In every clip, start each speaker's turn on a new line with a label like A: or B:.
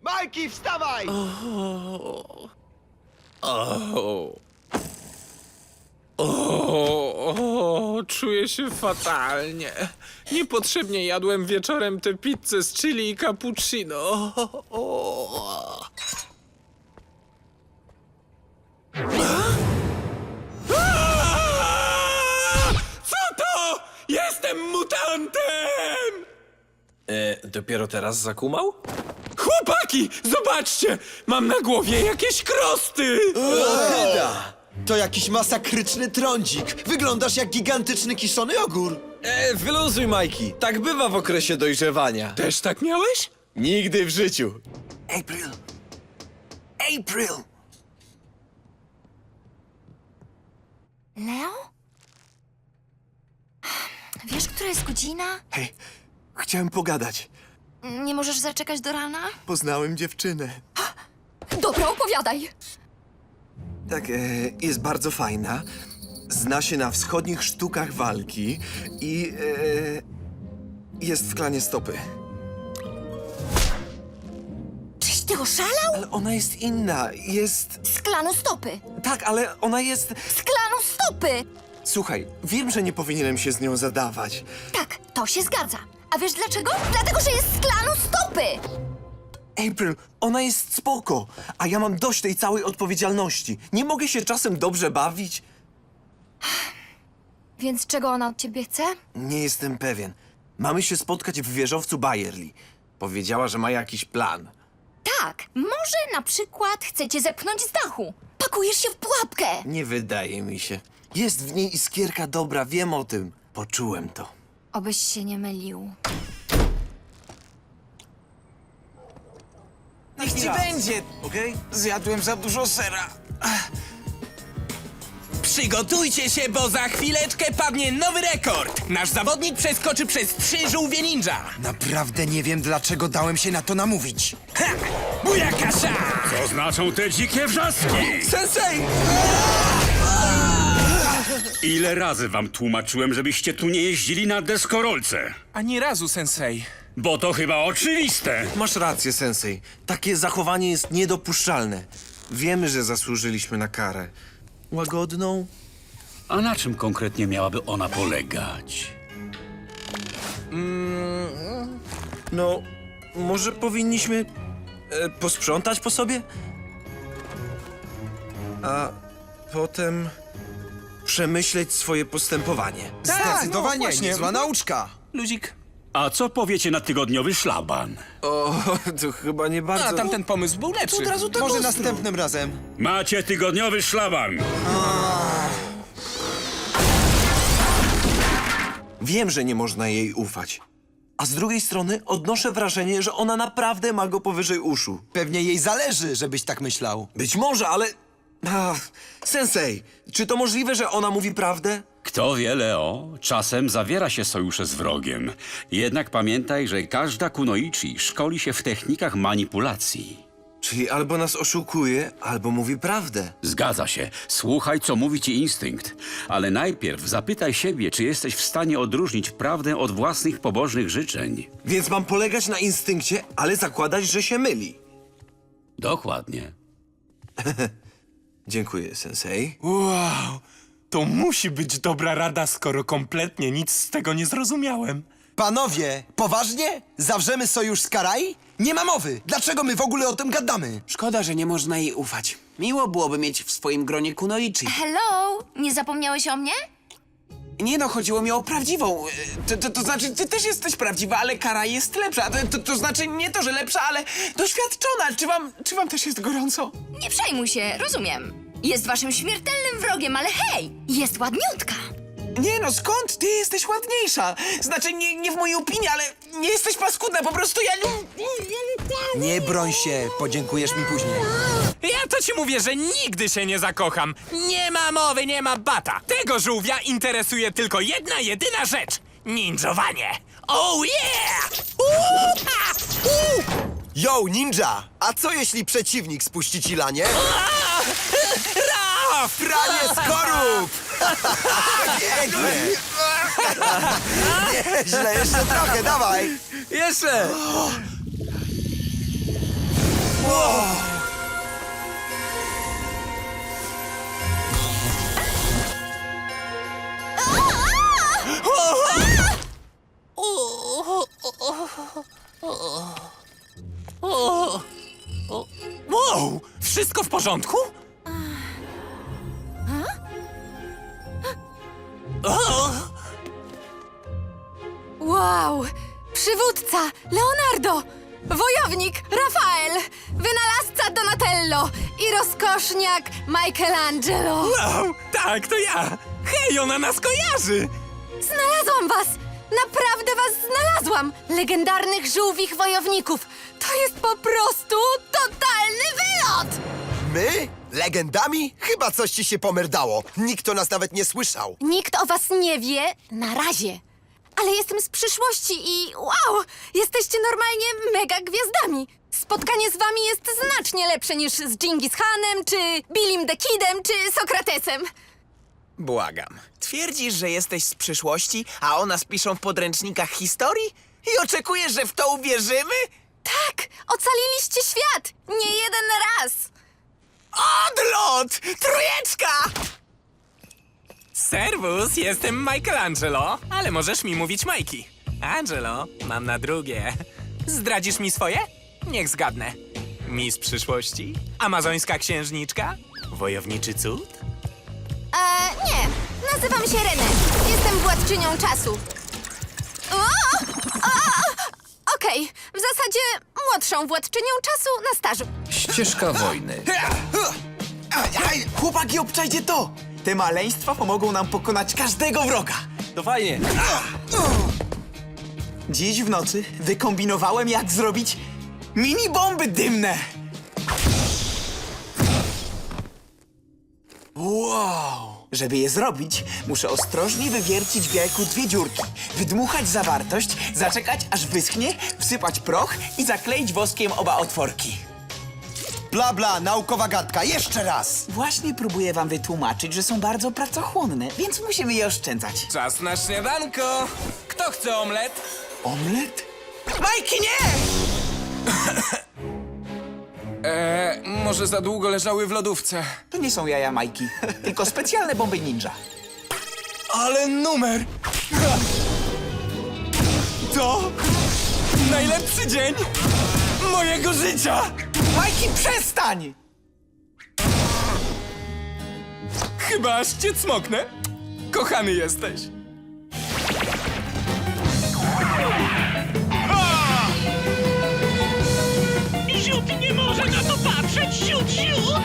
A: Majki, wstawaj!
B: Czuję się fatalnie. Niepotrzebnie jadłem wieczorem tę pizzę z chili i cappuccino. Co to? Jestem mutantem!
C: Dopiero teraz zakumał?
B: Chłopaki, zobaczcie! Mam na głowie jakieś krosty!
A: Hyda! To jakiś masakryczny trądzik. Wyglądasz jak gigantyczny kiszony ogór.
C: Wyluzuj, Majki. Tak bywa w okresie dojrzewania.
B: Też tak miałeś?
C: Nigdy w życiu.
A: April! April!
D: Leo? Wiesz, która jest godzina?
E: Hej, chciałem pogadać.
D: Nie możesz zaczekać do rana?
E: Poznałem dziewczynę.
D: Dobra, opowiadaj.
E: Tak, jest bardzo fajna. Zna się na wschodnich sztukach walki i jest w klanie stopy.
D: Czyś ty oszalał?
E: Ale ona jest inna. Jest...
D: Z klanu stopy!
E: Tak, ale ona jest...
D: Z klanu stopy!
E: Słuchaj, wiem, że nie powinienem się z nią zadawać.
D: Tak, to się zgadza. A wiesz dlaczego? Dlatego, że jest z klanu stopy!
E: April, ona jest spoko, a ja mam dość tej całej odpowiedzialności. Nie mogę się czasem dobrze bawić?
D: Więc czego ona od ciebie chce?
E: Nie jestem pewien. Mamy się spotkać w wieżowcu Bayerli. Powiedziała, że ma jakiś plan.
D: Tak, może na przykład chce cię zepchnąć z dachu. Pakujesz się w pułapkę!
E: Nie wydaje mi się. Jest w niej iskierka dobra, wiem o tym. Poczułem to.
D: Obyś się nie mylił.
E: Niech ci będzie, okej?
F: Zjadłem za dużo sera. Przygotujcie się, bo za chwileczkę padnie nowy rekord. Nasz zawodnik przeskoczy przez 3 żółwie ninja.
A: Naprawdę nie wiem, dlaczego dałem się na to namówić.
F: Ha! Bujakasza!
G: Co znaczą te dzikie wrzaski?
E: Sensei!
G: Ile razy wam tłumaczyłem, żebyście tu nie jeździli na deskorolce?
B: Ani razu, sensei.
G: Bo to chyba oczywiste.
E: Masz rację, sensei. Takie zachowanie jest niedopuszczalne. Wiemy, że zasłużyliśmy na karę. Łagodną?
G: A na czym konkretnie miałaby ona polegać?
E: No, może powinniśmy posprzątać po sobie? A potem przemyśleć swoje postępowanie.
A: Zdecydowanie,
B: właśnie.
A: niezła nauczka.
B: Luzik.
G: A co powiecie na tygodniowy szlaban?
E: O, to chyba nie bardzo...
B: A tamten pomysł był lepszy.
A: Może następnym razem.
G: Macie tygodniowy szlaban.
E: Wiem, że nie można jej ufać. A z drugiej strony odnoszę wrażenie, że ona naprawdę ma go powyżej uszu.
A: Pewnie jej zależy, żebyś tak myślał.
E: Być może, ale... Sensei, czy to możliwe, że ona mówi prawdę?
G: Kto wie, Leo, czasem zawiera się sojusze z wrogiem. Jednak pamiętaj, że każda kunoichi szkoli się w technikach manipulacji.
E: Czyli albo nas oszukuje, albo mówi prawdę.
G: Zgadza się. Słuchaj, co mówi ci instynkt. Ale najpierw zapytaj siebie, czy jesteś w stanie odróżnić prawdę od własnych pobożnych życzeń.
E: Więc mam polegać na instynkcie, ale zakładać, że się myli.
G: Dokładnie.
E: Dziękuję, sensei.
B: Wow, to musi być dobra rada, skoro kompletnie nic z tego nie zrozumiałem.
A: Panowie, poważnie? Zawrzemy sojusz z Karai? Nie ma mowy. Dlaczego my w ogóle o tym gadamy?
F: Szkoda, że nie można jej ufać. Miło byłoby mieć w swoim gronie kunoichi.
D: Hello? Nie zapomniałeś o mnie?
F: Nie no, chodziło mi o prawdziwą. To znaczy, ty też jesteś prawdziwa, ale Kara jest lepsza. To znaczy nie to, że lepsza, ale doświadczona. Czy wam też jest gorąco?
D: Nie przejmuj się, rozumiem. Jest waszym śmiertelnym wrogiem, ale hej, jest ładniutka.
F: Nie no, skąd? Ty jesteś ładniejsza. Znaczy, nie w mojej opinii, ale nie jesteś paskudna, po prostu ja...
A: Nie broń się, podziękujesz mi później.
B: Ja to ci mówię, że nigdy się nie zakocham. Nie ma mowy, nie ma bata. Tego żółwia interesuje tylko jedna, jedyna rzecz. Ninjowanie. Oh yeah!
A: Yo, ninja! A co jeśli przeciwnik spuści ci lanie?
B: Raf!
A: Pranie skorup! Pięknie! Nieźle, jeszcze trochę, dawaj!
E: Jeszcze!
B: Wow! Wszystko w porządku?
H: Wow! Przywódca Leonardo! Wojownik Rafael! Wynalazca Donatello! I rozkoszniak Michelangelo!
B: Wow! Tak, to ja! Hej, ona nas kojarzy!
H: Znalazłam was! Naprawdę was znalazłam! Legendarnych żółwich wojowników! To jest po prostu totalny wylot!
A: My? Legendami? Chyba coś ci się pomerdało. Nikt o nas nawet nie słyszał.
H: Nikt o was nie wie na razie. Ale jestem z przyszłości i wow! Jesteście normalnie mega gwiazdami! Spotkanie z wami jest znacznie lepsze niż z Dżingis Hanem, czy Billim the Kidem, czy Sokratesem.
F: Błagam. Twierdzisz, że jesteś z przyszłości, a o nas piszą w podręcznikach historii? I oczekujesz, że w to uwierzymy?
H: Tak! Ocaliliście świat! Nie jeden raz!
F: Odlot! Trójeczka!
B: Serwus, jestem Michelangelo, ale możesz mi mówić Majki. Angelo, mam na drugie. Zdradzisz mi swoje? Niech zgadnę. Miss przyszłości? Amazońska księżniczka? Wojowniczy cud?
H: Nie. Nazywam się Renę. Jestem władczynią czasu. Okej. W zasadzie młodszą władczynią czasu na stażu.
C: Ścieżka wojny.
F: Chłopaki, obczajcie to! Te maleństwa pomogą nam pokonać każdego wroga.
C: To fajnie.
F: Dziś w nocy wykombinowałem, jak zrobić mini bomby dymne. Wow! Żeby je zrobić, muszę ostrożnie wywiercić w jajku 2 dziurki, wydmuchać zawartość, zaczekać aż wyschnie, wsypać proch i zakleić woskiem oba otworki.
A: Bla bla, naukowa gadka. Jeszcze raz.
F: Właśnie próbuję wam wytłumaczyć, że są bardzo pracochłonne, więc musimy je oszczędzać.
B: Czas na śniadanko! Kto chce omlet?
F: Omlet? Majki, nie!
C: Może za długo leżały w lodówce.
F: To nie są jaja Majki, tylko specjalne bomby ninja.
B: Ale numer! To najlepszy dzień mojego życia!
F: Majki, przestań!
B: Chyba aż cię cmoknę. Kochany jesteś.
I: Ziut nie może na to patrzeć! Ziut, ziut!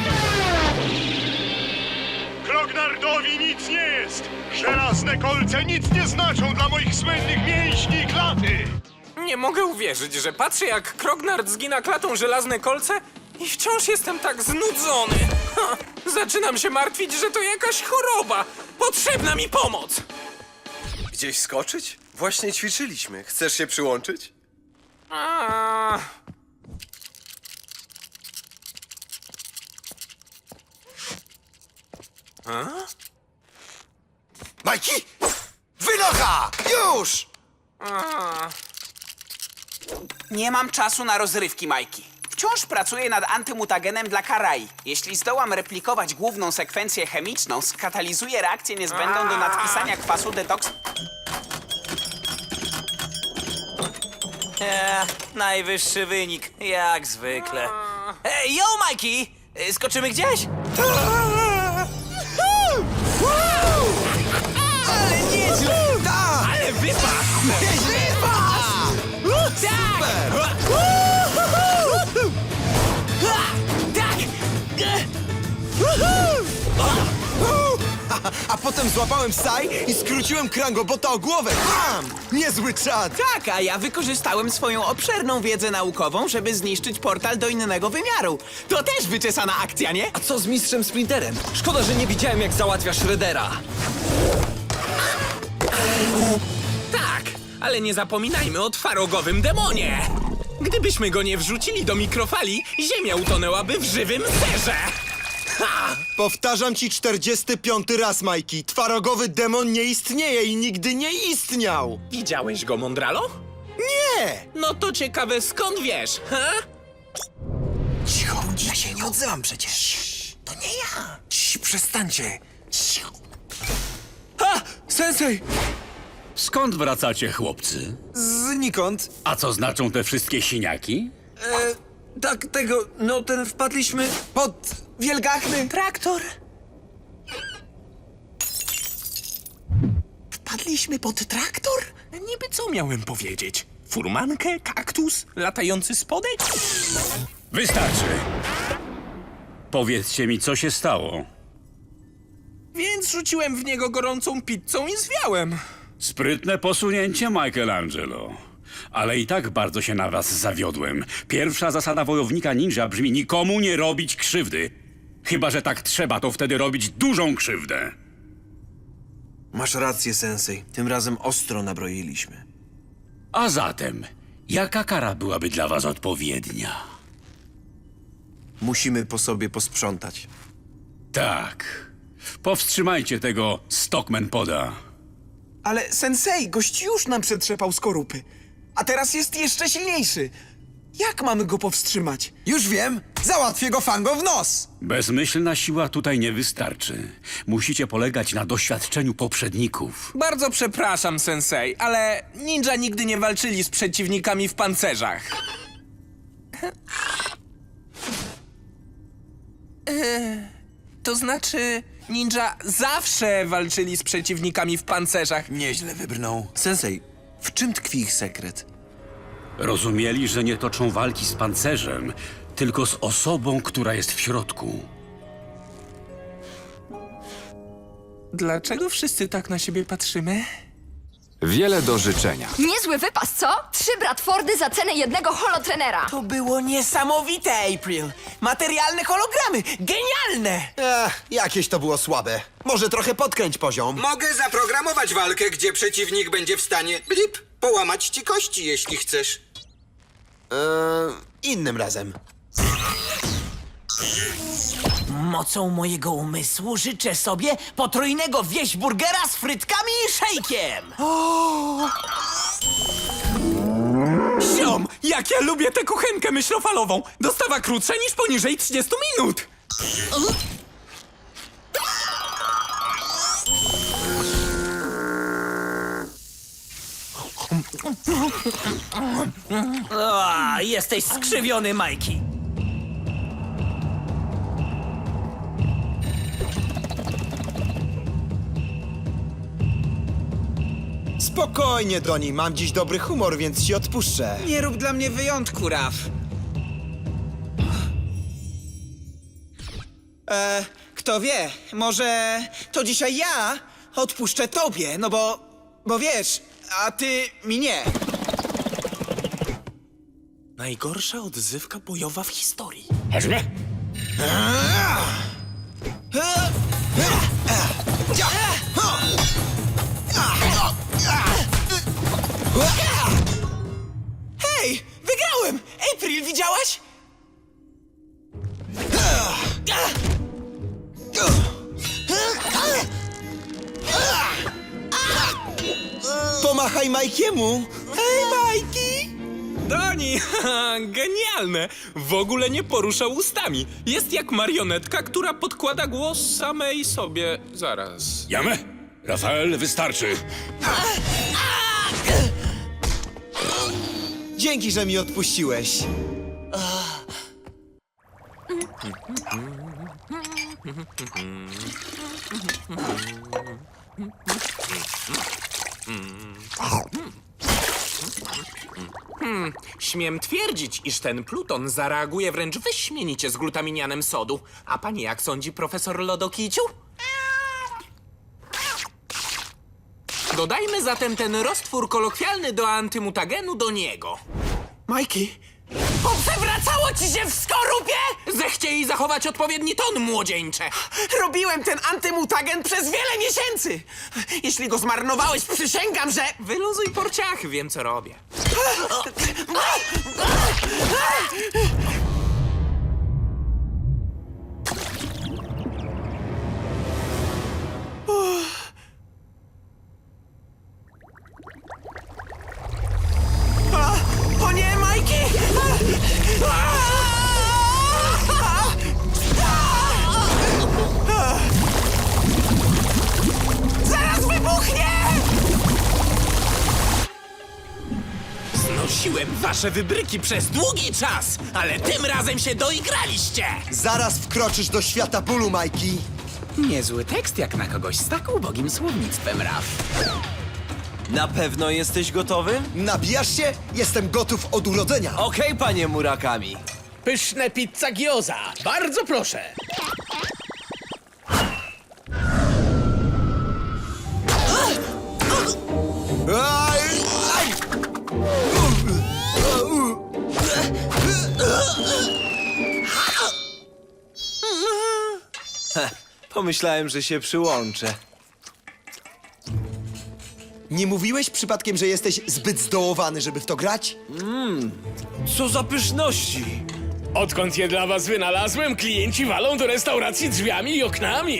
J: Krognardowi nic nie jest! Żelazne kolce nic nie znaczą dla moich słynnych mięśni i klaty!
B: Nie mogę uwierzyć, że patrzę jak Krognard zgina klatą żelazne kolce i wciąż jestem tak znudzony. Ha, zaczynam się martwić, że to jakaś choroba. Potrzebna mi pomoc.
C: Gdzieś skoczyć? Właśnie ćwiczyliśmy. Chcesz się przyłączyć?
B: A...
A: Majki! Wynocha! Już!
F: Nie mam czasu na rozrywki, Majki. Wciąż pracuję nad antymutagenem dla Karai. Jeśli zdołam replikować główną sekwencję chemiczną, skatalizuję reakcję niezbędną do nadpisania kwasu detoks...
K: Najwyższy wynik, jak zwykle. Ej, yo, Majki! Skoczymy gdzieś?
A: Ale nieźle! Tak!
B: Ale wypas!
A: A potem złapałem saj i skróciłem Krangobota o głowę. Bam! Niezły czad!
F: Tak, a ja wykorzystałem swoją obszerną wiedzę naukową, żeby zniszczyć portal do innego wymiaru. To też wyczesana akcja, nie?
C: A co z mistrzem Splinterem? Szkoda, że nie widziałem, jak załatwia Shreddera.
B: Tak, ale nie zapominajmy o twarogowym demonie. Gdybyśmy go nie wrzucili do mikrofali, ziemia utonęłaby w żywym serze. Ha!
A: Powtarzam ci 45. raz, Majki. Twarogowy demon nie istnieje i nigdy nie istniał.
B: Widziałeś go, Mondralo?
A: Nie!
B: No to ciekawe, skąd wiesz, ha?
A: Cicho, ja się nie odzywam przecież. To nie ja.
C: Przestańcie. Ha! Sensei!
G: Skąd wracacie, chłopcy?
C: Znikąd.
G: A co znaczą te wszystkie siniaki?
E: Tak, tego, no ten wpadliśmy pod wielgachny...
B: Traktor?
E: Wpadliśmy pod traktor?
B: Niby co miałem powiedzieć? Furmankę? Kaktus? Latający spodek?
G: Wystarczy. Powiedzcie mi, co się stało.
B: Więc rzuciłem w niego gorącą pizzą i zwiałem.
G: Sprytne posunięcie, Michelangelo. Ale i tak bardzo się na was zawiodłem. Pierwsza zasada wojownika ninja brzmi nikomu nie robić krzywdy. Chyba że tak trzeba, to wtedy robić dużą krzywdę.
E: Masz rację, sensei. Tym razem ostro nabroiliśmy.
G: A zatem, jaka kara byłaby dla was odpowiednia?
E: Musimy po sobie posprzątać.
G: Tak. Powstrzymajcie tego Stockman Poda.
L: Ale sensei, gość już nam przetrzepał skorupy. A teraz jest jeszcze silniejszy. Jak mamy go powstrzymać?
A: Już wiem! Załatwię go fango w nos!
G: Bezmyślna siła tutaj nie wystarczy. Musicie polegać na doświadczeniu poprzedników.
B: Bardzo przepraszam, sensei, ale ninja nigdy nie walczyli z przeciwnikami w pancerzach. To znaczy, ninja zawsze walczyli z przeciwnikami w pancerzach.
E: Nieźle wybrnął. Sensei, w czym tkwi ich sekret?
G: Rozumieli, że nie toczą walki z pancerzem, tylko z osobą, która jest w środku.
B: Dlaczego wszyscy tak na siebie patrzymy?
M: Wiele do życzenia.
D: Niezły wypas, co? 3 Bradfordy za cenę jednego holotrenera.
L: To było niesamowite, April. Materialne hologramy. Genialne!
A: Jakieś to było słabe. Może trochę podkręć poziom.
N: Mogę zaprogramować walkę, gdzie przeciwnik będzie w stanie blip, połamać ci kości, jeśli chcesz.
A: Innym razem.
L: Mocą mojego umysłu życzę sobie potrójnego wieśburgera z frytkami i szejkiem.
B: Ziom, jak ja lubię tę kuchenkę myślofalową! Dostawa krótsza niż poniżej 30 minut!
L: Jesteś skrzywiony, Majki.
A: Spokojnie, Doni, mam dziś dobry humor, więc ci odpuszczę.
L: Nie rób dla mnie wyjątku, Raf. Kto wie, może to dzisiaj ja odpuszczę tobie, no bo wiesz, a ty mi nie.
B: Najgorsza odzywka bojowa w historii.
L: Hej, wygrałem! April, widziałaś?
A: Pomachaj Majkiemu!
L: Hej, Majki!
B: Doni, genialne! W ogóle nie porusza ustami. Jest jak marionetka, która podkłada głos samej sobie. Zaraz.
G: Jamę? Rafael, wystarczy.
A: Dzięki, że mi odpuściłeś.
B: Śmiem twierdzić, iż ten Pluton zareaguje wręcz wyśmienicie z glutaminianem sodu. A pani jak sądzi, profesor Lodokiciu? Dodajmy zatem ten roztwór kolokwialny do antymutagenu do niego.
L: Majki, poprzewracało ci się w skorupie?
B: Zechciej zachować odpowiedni ton, młodzieńcze.
L: Robiłem ten antymutagen przez wiele miesięcy. Jeśli go zmarnowałeś, przysięgam, że...
B: Wyluzuj porciachy, wiem co robię.
L: O nie, Majki! Zaraz wybuchnie!
B: Znosiłem wasze wybryki przez długi czas, ale tym razem się doigraliście!
A: Zaraz wkroczysz do świata bólu, Majki.
F: Niezły tekst jak na kogoś z tak ubogim słownictwem, Raf.
O: Na pewno jesteś gotowy?
A: Nabijasz się? Jestem gotów od urodzenia.
O: Okej, panie Murakami.
I: Pyszne pizza gyoza. Bardzo proszę.
A: Aj, aj!
O: Pomyślałem, że się przyłączę.
A: Nie mówiłeś przypadkiem, że jesteś zbyt zdołowany, żeby w to grać?
O: Co za pyszności!
I: Odkąd je dla was wynalazłem, klienci walą do restauracji drzwiami i oknami.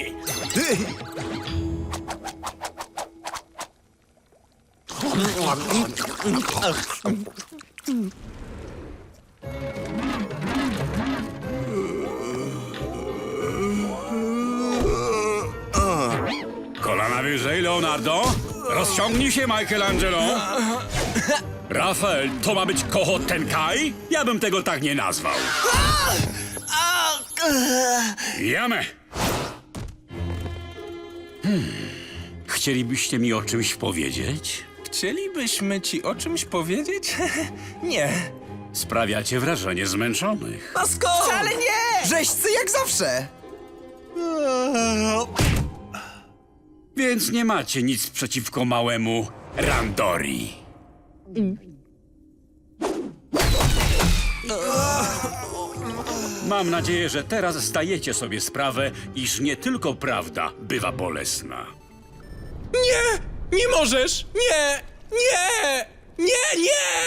G: Kolana wyżej, Leonardo. Rozciągnij się, Michelangelo. Rafael, to ma być Koho Tenkai? Ja bym tego tak nie nazwał. Jamy. Chcielibyście mi o czymś powiedzieć?
B: Chcielibyśmy ci o czymś powiedzieć? Nie.
G: Sprawiacie wrażenie zmęczonych.
O: A skąd?
L: Wcale nie!
A: Rzeźcy jak zawsze.
G: Więc nie macie nic przeciwko małemu Randori. Mam nadzieję, że teraz zdajecie sobie sprawę, iż nie tylko prawda bywa bolesna.
B: Nie! Nie możesz! Nie! Nie! Nie! Nie!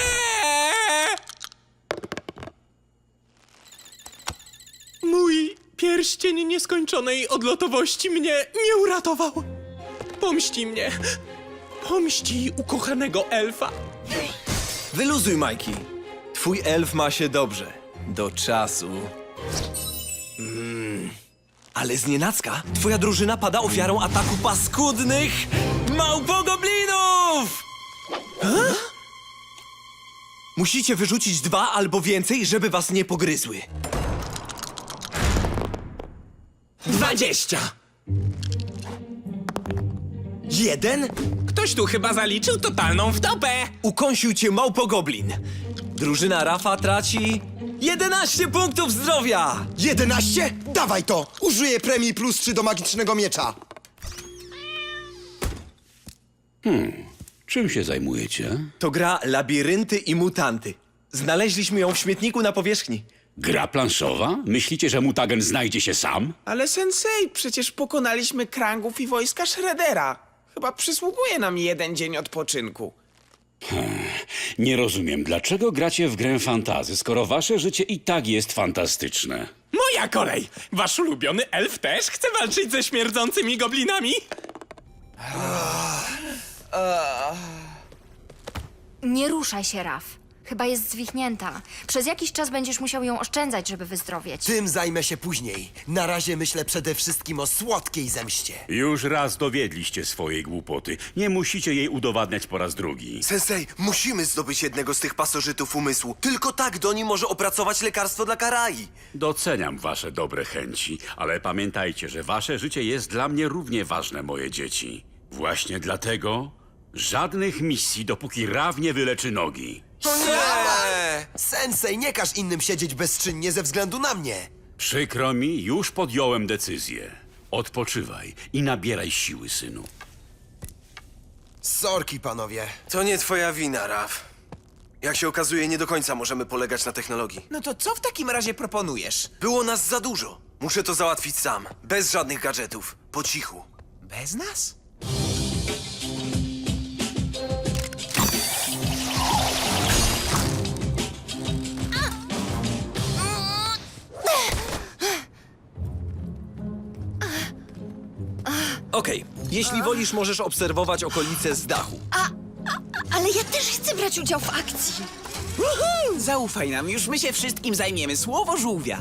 B: Mój pierścień nieskończonej odlotowości mnie nie uratował. Pomści mnie. Pomści ukochanego elfa.
O: Wyluzuj, Majki. Twój elf ma się dobrze. Do czasu. Ale znienacka twoja drużyna pada ofiarą ataku paskudnych małpogoblinów! Musicie wyrzucić 2 albo więcej, żeby was nie pogryzły.
B: 20!
A: 1?
B: Ktoś tu chyba zaliczył totalną wtopę!
O: Ukąsił cię małpogoblin. Drużyna Rafa traci 11 punktów zdrowia!
A: 11? Dawaj to! Użyję premii +3 do magicznego miecza.
G: Czym się zajmujecie?
O: To gra Labirynty i Mutanty. Znaleźliśmy ją w śmietniku na powierzchni.
G: Gra planszowa? Myślicie, że mutagen znajdzie się sam?
L: Ale sensei, przecież pokonaliśmy krangów i wojska Shreddera. Chyba przysługuje nam 1 dzień odpoczynku.
G: Nie rozumiem, dlaczego gracie w grę fantazy, skoro wasze życie i tak jest fantastyczne.
B: Moja kolej! Wasz ulubiony elf też chce walczyć ze śmierdzącymi goblinami?
D: Nie ruszaj się, Raf. Chyba jest zwichnięta. Przez jakiś czas będziesz musiał ją oszczędzać, żeby wyzdrowieć.
A: Tym zajmę się później. Na razie myślę przede wszystkim o słodkiej zemście.
G: Już raz dowiedliście swojej głupoty. Nie musicie jej udowadniać po raz drugi.
E: Sensei, musimy zdobyć jednego z tych pasożytów umysłu. Tylko tak Doni może opracować lekarstwo dla Karai.
G: Doceniam wasze dobre chęci, ale pamiętajcie, że wasze życie jest dla mnie równie ważne, moje dzieci. Właśnie dlatego żadnych misji, dopóki Raw nie wyleczy nogi.
A: Nie! Sensei, nie każ innym siedzieć bezczynnie ze względu na mnie.
G: Przykro mi, już podjąłem decyzję. Odpoczywaj i nabieraj siły, synu.
A: Sorki, panowie.
E: To nie twoja wina, Raf. Jak się okazuje, nie do końca możemy polegać na technologii.
L: No to co w takim razie proponujesz?
E: Było nas za dużo. Muszę to załatwić sam. Bez żadnych gadżetów. Po cichu.
L: Bez nas?
O: Okej, jeśli wolisz, możesz obserwować okolice z dachu.
H: Ale ja też chcę brać udział w akcji.
L: Zaufaj nam, już my się wszystkim zajmiemy. Słowo żółwia.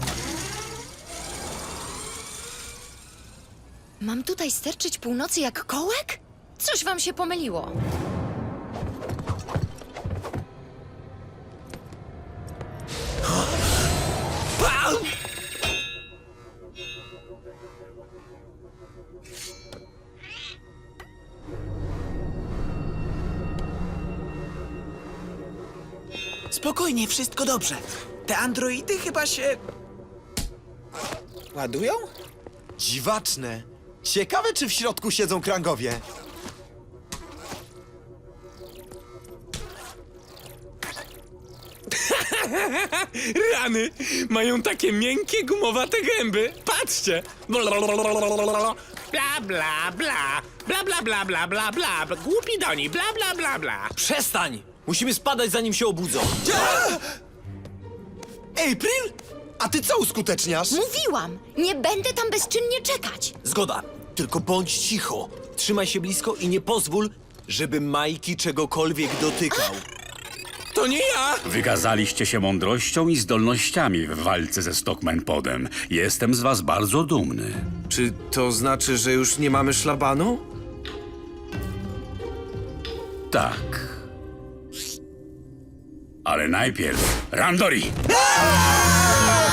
H: Mam tutaj sterczyć północy jak kołek? Coś wam się pomyliło.
L: Spokojnie, wszystko dobrze. Te androidy chyba się... ładują?
A: Dziwaczne. Ciekawe, czy w środku siedzą krangowie.
B: Rany! Mają takie miękkie, gumowate gęby. Patrzcie! Bla bla bla bla. Bla bla bla bla bla bla. Głupi doni. Bla bla bla bla.
O: Przestań! Musimy spadać, zanim się obudzą.
A: April? A ty co uskuteczniasz?
H: Mówiłam, nie będę tam bezczynnie czekać.
O: Zgoda. Tylko bądź cicho. Trzymaj się blisko i nie pozwól, żeby Majki czegokolwiek dotykał.
B: To nie ja!
G: Wykazaliście się mądrością i zdolnościami w walce ze Stockman Podem. Jestem z was bardzo dumny.
E: Czy to znaczy, że już nie mamy szlabanu?
G: Tak. Ale najpierw Randori!